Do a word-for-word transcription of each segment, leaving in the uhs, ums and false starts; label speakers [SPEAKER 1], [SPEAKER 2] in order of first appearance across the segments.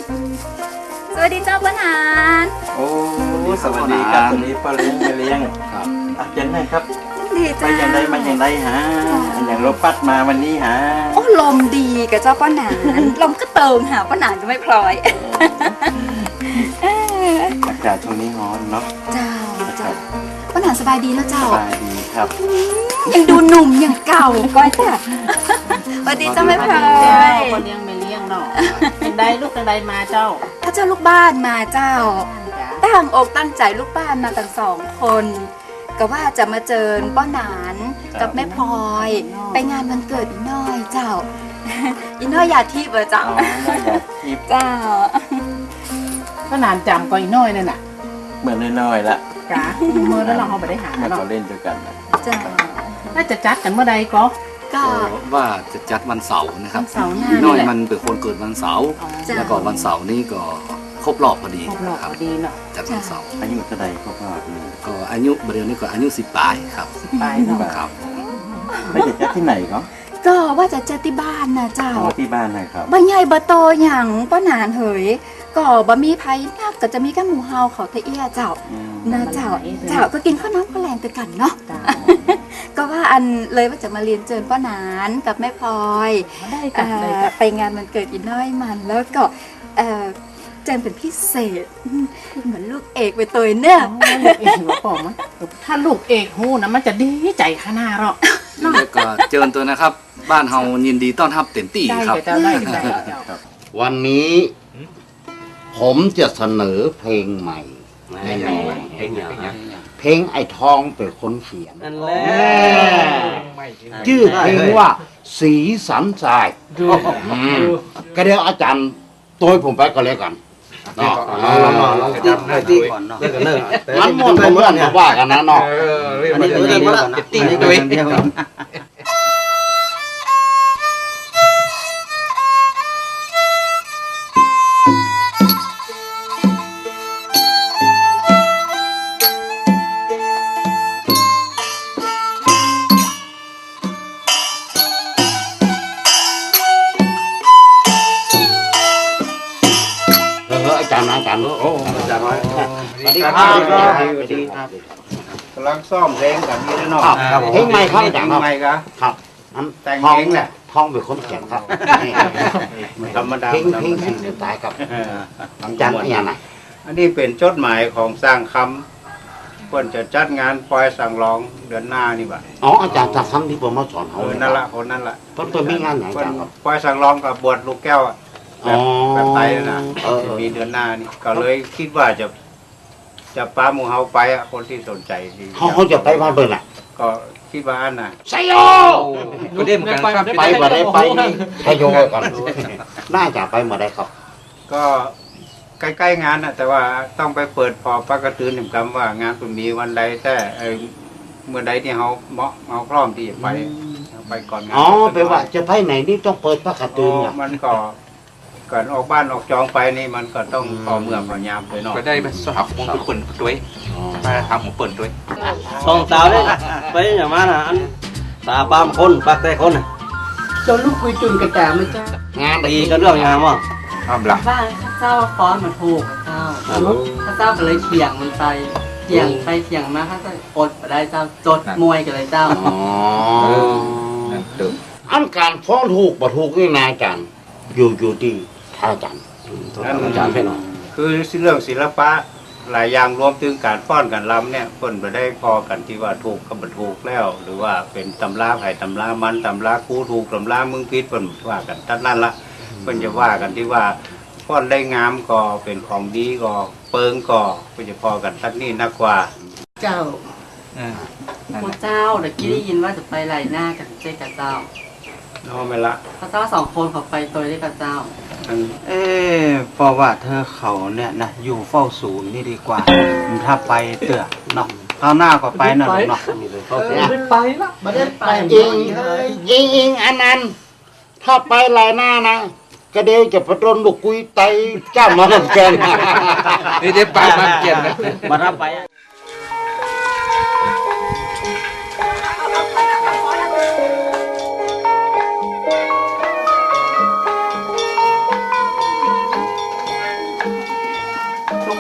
[SPEAKER 1] สวัสดีเจ้าป้าหนาน
[SPEAKER 2] โอ้สวัสดีครับสวัสดีป้าเลี้ยงป้าเลี้ยงครับอ่ะเจนได้ครับ
[SPEAKER 1] ดีจ้า
[SPEAKER 2] ไปอย่างไรมาอย่างไรฮะอย่างรถปัดมาวันนี้ฮะ
[SPEAKER 1] โอ้ลมดีกับเจ้าป้าหนานลมก็เติงหาป้าหนานก็ไม่พลอย
[SPEAKER 2] อากาศช่วงนี้ร้อนเนาะ
[SPEAKER 1] เจ้าเจ้าป้าหนานสบายดีแล้วเจ้า
[SPEAKER 2] สบายดีครับ
[SPEAKER 1] ยังดูหนุ่มอย่างเก่าก้อยจ้ะสวัสดีเจ้าไม่พลอย
[SPEAKER 3] คนเลี้ยงไม่เลี้ยงเนาะเป็นใดลูกเป็นใดมาเจ้า
[SPEAKER 1] ถ้าเจ้าลูกบ้านมาเจ้าตั้งอกตั้งใจลูกบ้านมากันสองคนก็ว่าจะมาเจอป้าหนานกับแม่พลอยไปงานวันเกิดอีน้อยเจ้าอีน้อยอยากทิพย์เหรอเจ้าเจ้า
[SPEAKER 3] ก็นานจำก็อีน้อยนั่นน่ะ
[SPEAKER 2] เหมือนน้อยๆละ
[SPEAKER 3] กะเมื่อแล้วเราไปได้หา
[SPEAKER 2] เมื่อ
[SPEAKER 3] เนาะ
[SPEAKER 2] เราเล่นด้วยกัน
[SPEAKER 1] จ้า
[SPEAKER 3] น่าจะจัดกันเมื่อใดก็
[SPEAKER 1] ก็
[SPEAKER 4] ว่าจะจัดวันเสาร์นะครับ
[SPEAKER 3] เสาร์หน้า
[SPEAKER 4] น้อยมันเป็นคนเกิดวันเสาร์แล้วก็วันเสาร์นี้ก็ครบรอบพอดี
[SPEAKER 3] ครบรอบพอดีเนาะ
[SPEAKER 4] จัดวันเสาร์
[SPEAKER 2] อายุเท่าไหร่ครบรอบ
[SPEAKER 4] ก็อายุเดือนนี้ก็อายุสิบปลายครับ
[SPEAKER 3] สิบปลายเนาะ
[SPEAKER 4] ครับ
[SPEAKER 2] ไม่จะจัดที่ไหนก็
[SPEAKER 1] ก็ว่าจะจัดที่บ้านนะเจ้า
[SPEAKER 2] ที่บ้านนะครับ
[SPEAKER 1] บ่ใหญ่บ่โตอย่างป้าหนานเหยก็บ่มีไผนักก็จะมีแค่หมูเฮาเขาเตี้ยเจ้านะเจ้าเจ้าก็กินข้าวน้ำข้าวแรงไปกันเนาะก็ว่าอันเลยว่าจะมาเรียนเชิญป้าหนานกับแม่พลอยไปงานวันเกิดอีน้อยมันแล้วก็เจนเป็นพิเศษเหมือนลูกเอกไปตัวเนี่ย
[SPEAKER 3] ลูกเอกหัวปอมถ้าลูกเอกหูนะมันจะดีใจขนาดหรอก
[SPEAKER 4] แล้วก็เจอตัวนะครับบ้านเฮายินดีต้อนรับเต็มที่ครับ
[SPEAKER 5] วันนี้ผมจะเสนอเพลงใหม่เพลงเพลงไอ้ทองเป็นคนเขียนชื่อเพลงว่าสีสันทรายก็เดี๋ยวอาจารย์ตัวผมไปก็แล้วกันเนาะมันหมดเพื่อนๆว่ากันนะเนาะ
[SPEAKER 6] อันนี้ตัวเองว่าตีตัวเอง
[SPEAKER 5] อาจารย์อาจารย์โอ้อาจารย์น้อยสวัสดีครับสวัสดีครับ
[SPEAKER 6] กำลังซ่อมเพลงกันนี่เนาะ
[SPEAKER 5] เพลงใหม่ครับอาจารย์
[SPEAKER 6] ใหม่ครับ
[SPEAKER 5] ครับแต่งเพลงเนี่ยท้องเป็นคนเขียนครับ
[SPEAKER 6] ธรรมดา
[SPEAKER 5] เพลงเพลงสิ่งเดียวตายครับอาจารย์นี่ยังไง
[SPEAKER 6] อันนี้เป็นจดหมายของสร้างคำเพื่อนจะจัดงานปล่อยสั่งร้องเดือนหน้านี่บ่ะ
[SPEAKER 5] อ๋ออาจารย์จะทำที่ผมมาสอนเขา
[SPEAKER 6] นั่นละคนนั่นละ
[SPEAKER 5] เพิ่นเพิ่นมีงานไหนอาจารย์ครับ
[SPEAKER 6] ปล่อยสั่งร้องกับบวชลูกแก้วแบบแบบไทยนะมีเดือนหน้านี่ก็เลยคิดว่าจะจะป้าหมูเฮาไปอ่ะคนที่สนใจ
[SPEAKER 5] เขาเขาจะไปบ้านเบิ่นอ่ะ
[SPEAKER 6] ก็คิดว่าอันน่ะ
[SPEAKER 5] ไซโย
[SPEAKER 6] ก็ได้เหมือนกันครับ
[SPEAKER 5] ไปมาได้ไปไซโยก่อนน่าจะไปมาได้ครับ
[SPEAKER 6] ก็ใกล้ๆงานนะแต่ว่าต้องไปเปิดพอปากกระตือหนึ่งคำว่างานคุณมีวันใดแต่เมื่อใดที่เขาเหมาะเขาพร้อมที่จะไปไปก่อนงาน
[SPEAKER 5] อ๋อแปลว่าจะไปไหนนี่ต้องเปิดปากกระตือเนี่ย
[SPEAKER 6] มันก็ก่อนออกบ้านออกจองไปนี่มันก็ต้องพอเมื่อพอยามไปเนาะ
[SPEAKER 7] ก็ได้มาสอบของทุกคนด้วยมาทำของเปิดด้วย
[SPEAKER 8] สองสาวเนี่ยไปอย่างมานะตาปามคนปากแต่คน
[SPEAKER 3] จนลูกคุยจุนกระจาไม่จ้าง
[SPEAKER 8] านตีกันเรื่องยังไงมั้ง
[SPEAKER 7] ทำหลัก
[SPEAKER 9] บ้านข้าเจ้าฟ้อนมาถูกเจ้าข้าเจ้าก็เลยเถียงมันไปเถียงไปเถียงมาข้าเจ้าอดไปได้เจ้าจดมวยกันเลยเจ้า
[SPEAKER 5] อ๋ออันการฟ้อนถูกบ่ถูกนี่นายจันอยู่อยู่ที่ท่าจัน
[SPEAKER 6] อาจารย์ให้หน่อยคือเรื่องศิลปะหลายอย่างรวมถึงการฟ้อนการรำเนี่ยเพิ่นไปได้พอกันที่ว่าถูกกับบ่ถูกแล้วหรือว่าเป็นตำราไผ่ตำรามันตำรากูถูกตำรามึงผิดเพิ่นว่ากันทั้งนั้นละเพิ่นจะว่ากันที่ว่าฟ้อนได้งามก็เป็นของดีก็เปิงก็เพิ่นจะพอกันทั้งนี้นักกว่า
[SPEAKER 9] เจ้าพระเจ้าเดี๋ยวกี้ได้ยินว่าจะไปไล่หน้ากันเจ๊กับเจ้า
[SPEAKER 6] น้องไม่ละ
[SPEAKER 9] พระเจ้าสองคนเขาไปตัวได้กับเจ้า
[SPEAKER 8] เอ๊เพราะว่าเธอเขาเนี่ยนะอยู่เฝ้าศูนย์นี่ดีกว่าถ้าไปเตือเนาะข้าวหน้าก็ไปนะเนาะ
[SPEAKER 3] ไม่ไปละไม่ได้ไป
[SPEAKER 5] จริงจริงจริงอันนั้นถ้าไปหลายหน้านะก็เดี๋ยวจะประดนลูกกุยไตจ้ามาทำแกง
[SPEAKER 7] นี่ได้ไปมาเกี่ยน
[SPEAKER 8] มารับไป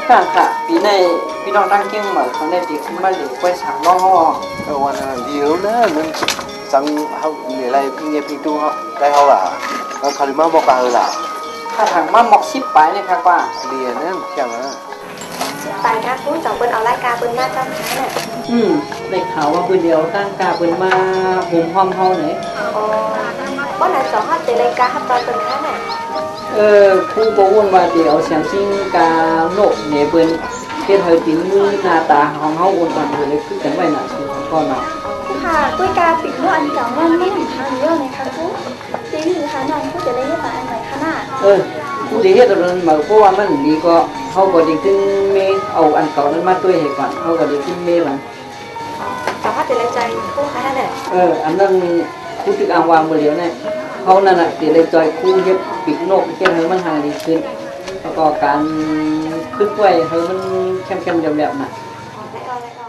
[SPEAKER 9] ค่ะค่ะปีในพี่น้องตั้งเกี้ยงเหมือนเขาในปีขึ้นมาเหลือไว้สามล้อ
[SPEAKER 2] cái quan là điều nữa nên sang học để lại nghe phi tu học đây học là nó khai mà bọc vào là
[SPEAKER 9] ถ้าทางมาหมอกชิปไปเนี่ยค่ะว่า
[SPEAKER 2] liền á chẳng á
[SPEAKER 10] ไปค่ะคุณสองคนเอารายการเปิ้นมาจ้ำช้าเนี่ย
[SPEAKER 9] อืมได้ข่าวว่าคืนเดียวตั้งกาเป็นมาโฮมห้อมเฮาไหน
[SPEAKER 10] อ๋อว่าไหนสองห้าเจรายการฮับตอนเป็นค้าเนี่ย
[SPEAKER 9] เออผู้บอกว่าว่าเดี๋ยวเสียงซิงกาโนกเนี่ยเปิ้นเฮ็ดให้ติมือหน้าตาของเฮาอ้วนก่อนเลยคือกันไว้น่ะคือของก่อนน่ะ
[SPEAKER 10] ค่ะกุ้ยกาปิดเมื่ออันสองวันไม่ถึงทางเยอะเลยค่ะคุณจริงหรือคะน้องผู้จะได้เรียกมาอันไหนคะน่ะ
[SPEAKER 9] เออผู้ที่เฮ็ดตรงนั้นมาเพราะว่ามันดีก็เฮาก็ได้ขึ้นเมเอาอันเก่านั้นมาด้วยให้ก่อนเฮาก็ได้ขึ้นเมมัน
[SPEAKER 10] สองห้าเจรายใจคู่ค้าเนี่ย
[SPEAKER 9] เอออันนั้นผู้ที่อ่างวางมือเดียวเนี่ยเขานั่นน่ะสิได้จอยคู่เฮ็ดปีกนกเฮ็ดให้มันห่างดีขึ้นแล้วก็การขึ้นไว้ให้มันเข้มๆแหลมๆน่ะ
[SPEAKER 10] ได้เอาได้เอา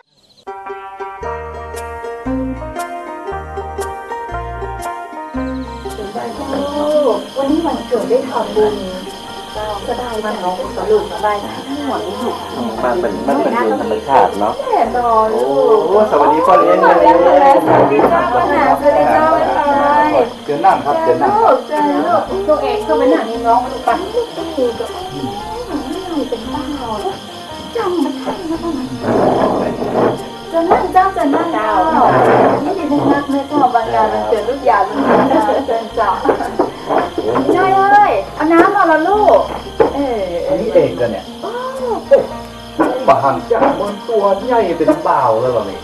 [SPEAKER 10] วันนี้วันเกิดได้ทำบุญสบายมันน้องสรุปสบายนะทั้งหมดนี้ถูก
[SPEAKER 2] มันเป็นมันเป็นเรื่องธรรมชาติเนาะ
[SPEAKER 10] แน่นอน
[SPEAKER 2] โอ้สวัสดีพ่อเลี้ยง
[SPEAKER 10] สวัสดีค่ะสวัสดีเจ้าวันหนาสวัสดีเจ้าวันไทย
[SPEAKER 2] เจอนั่งครับเจอนั่ง
[SPEAKER 10] ลูกเจอลูก
[SPEAKER 3] ตัวเองเข้าไปหนังนี่น้องมาดูปะ
[SPEAKER 10] ต้องมีกับไม่เป็นบ้าจำมันทันนะพ่อมันจะนั่งเจ้าจะนั่งเจ้านี่ดีนักเลยเจ้าบางงานมันเกิดลูกยาเป็นเจ้าเจ้าเจ้าน้อยเอ้ยเอาน้ำมาละลูกเออ
[SPEAKER 2] อันนี้เองกันเนี่ยบาหันจากบนตัวใหญ่เป็นบ่าวแล้วเหรอนี่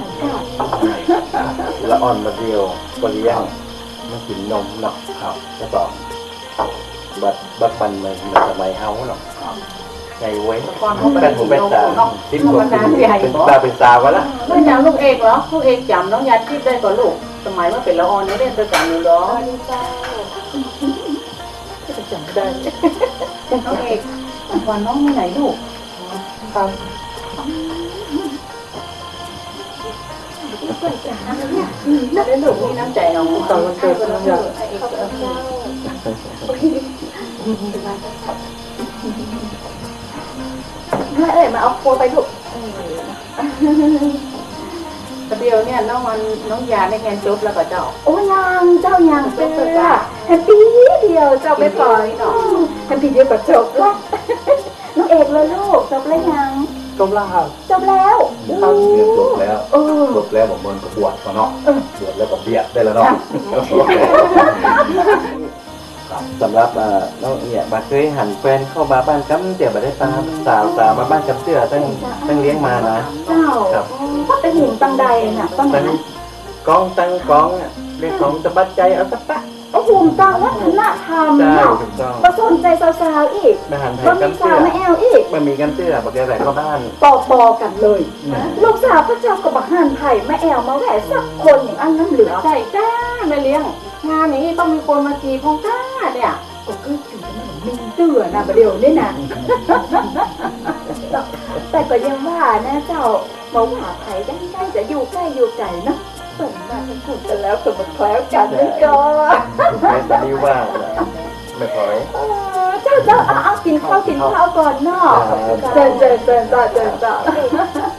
[SPEAKER 2] ละอ่อนมาเดียวก็เลี้ยงมันกินนมเนาะครับแล้วก็บัดบัดปันมันมันสมัยเฮาเนาะไงเว้ยเป็นผมเป็นตาทิพย์กว่าเป็นตาเป็นตาวะละ
[SPEAKER 3] แล้วอย่างลูกเอกเหรอลูกเอกจำน้องยาทิพย์ได้ก่อนลูกสมัยว่าเป็นละออนนี่เล่นด้วยกันอยู่เหรอ
[SPEAKER 10] สวัสดีเจ้า
[SPEAKER 3] จำได้น้องเอกวันน้องที่ไหนลูกครับน่าได้ลูกนี่น้ำใจน้องตอนวันเกิดน้องยา
[SPEAKER 10] แม่เอ้ยมาเอาโคไปลูก
[SPEAKER 3] แต่เดียวเนี่ยน้องมันน้องยาได้งานจบแล้วก็เจ้า
[SPEAKER 10] โอ้ยังเจ้ายังเจ้าแฮปปี้เดียวเจ้าไปปล่อยเนาะแฮปปี้เดียวกับจบละน้องเอกเลยลูกจบแล้วยัง
[SPEAKER 2] จบแล้วครับ
[SPEAKER 10] จบแล้ว
[SPEAKER 2] เรียนจบแล้วจบแล้วผมมันก็บวชเนาะบวชแล้วก็เบียดได้แล้วเนาะสำหรับน้องเนี่ยบัดเคยหันแฟนเข้ามาบ้านกั๊มเตี๋ยบัดได้ตามสาวสาวมาบ้านกั๊มเตี๋ยตั้งตั้งเลี้ยงมานะ
[SPEAKER 10] เจ้าก็เป็นหินตังใดน่ะต้น
[SPEAKER 2] ตั้ง
[SPEAKER 10] นั้น
[SPEAKER 2] กองตั้งกองเรื่องของสะบัดใจเอาสักปะ
[SPEAKER 10] โอ้โหตังวัฒนธรรม
[SPEAKER 2] ใช่
[SPEAKER 10] เนาะ
[SPEAKER 2] ถูกต้อง
[SPEAKER 10] ประสนใจสาวๆอีก
[SPEAKER 2] มาหันไทย
[SPEAKER 10] ก็
[SPEAKER 2] กั
[SPEAKER 10] มี
[SPEAKER 2] ม
[SPEAKER 10] สา
[SPEAKER 2] เตี๋
[SPEAKER 10] วย มาแอลอีก
[SPEAKER 2] มันมีกัมเตี๋ยบักแกใส่เข้าบ้าน
[SPEAKER 10] ปอปอกันเลย ลูกสาวพระเจ้ากับบักหันไผ่แม่แอลมาแหวะสักคนอย่างอันนั้นเหลือ
[SPEAKER 3] ใช่จ้าแม่เลี้ยงงานอย่างนี้ต้องมีคนมาจีบพงก้าเนี่ย
[SPEAKER 10] ก็คือถึงมีเตือนะประเดี๋ยวนี่นะแต่ก็ยังว่านะเจ้ามาว่าไผ่ได้ได้จะอยู่ใกล้อยู่ไกลนะเปิดมาเป็นถูกกันแล้วก็มันแคล้วกันนี่ก็
[SPEAKER 2] ไม่ตอนนี้ว่าไม่พอย
[SPEAKER 10] เจ้าเจ้าเอาเอากินข้าวกินข้าวก่อนเนาะเจนเจนเจนเจนเจนเจน